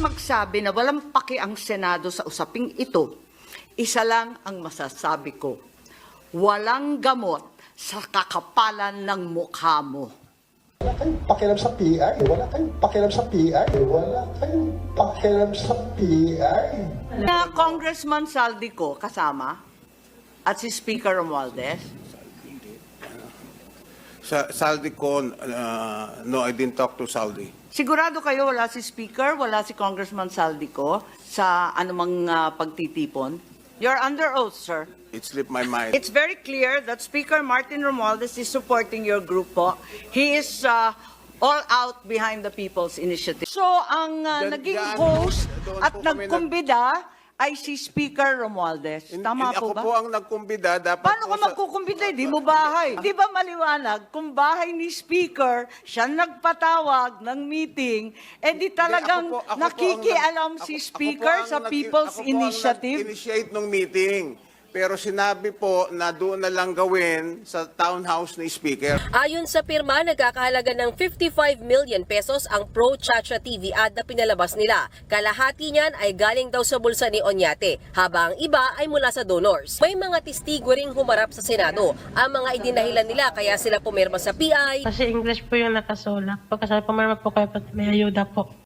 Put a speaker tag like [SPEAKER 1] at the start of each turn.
[SPEAKER 1] magsabi na walang paki ang Senado sa usaping ito, isa lang ang masasabi ko. Walang gamot sa kakapalan ng mukha mo.
[SPEAKER 2] Wala kayong pakialam sa PI. Wala kayong pakialam sa PI. Wala kayong pakialam sa PI.
[SPEAKER 1] Na Congressman Saldico kasama at si Speaker Romualdez.
[SPEAKER 3] Saldico, no, I didn't talk to Saldi.
[SPEAKER 1] Sigurado kayo wala si Speaker, wala si Congressman Saldico sa anumang pagtitipon? You're under oath, sir.
[SPEAKER 3] It slipped my mind.
[SPEAKER 1] It's very clear that Speaker Martin Romualdez is supporting your group po. He is all out behind the People's Initiative. So, ang naging host
[SPEAKER 3] doon
[SPEAKER 1] at
[SPEAKER 3] po kami
[SPEAKER 1] nagkumbida ay si Speaker Romualdez. Tama po ba?
[SPEAKER 3] Ako po ang nagkumbida. Dapat
[SPEAKER 1] Paano ka
[SPEAKER 3] po
[SPEAKER 1] magkukumbida? Di mo bahay. Di ba maliwanag? Kung bahay ni Speaker, siya nagpatawag ng meeting, eh di talagang
[SPEAKER 3] Hindi, ako po ang
[SPEAKER 1] nakikialam
[SPEAKER 3] nag-
[SPEAKER 1] si
[SPEAKER 3] ako po
[SPEAKER 1] Speaker
[SPEAKER 3] ang
[SPEAKER 1] sa People's Initiative.
[SPEAKER 3] Initiate ng meeting. Pero sinabi po na doon na lang gawin sa townhouse ni Speaker.
[SPEAKER 4] Ayon sa pirma, nagkakahalaga ng 55 million pesos ang Pro Chacha TV ad na pinalabas nila. Kalahati niyan ay galing daw sa bulsa ni Oñate, habang ang iba ay mula sa donors. May mga testigo ring humarap sa Senado. Ang mga idinahilan nila kaya sila pumirma sa PI.
[SPEAKER 5] Kasi English po yung nakasulak. Pagkasabi pumirma po kayo, may ayuda po.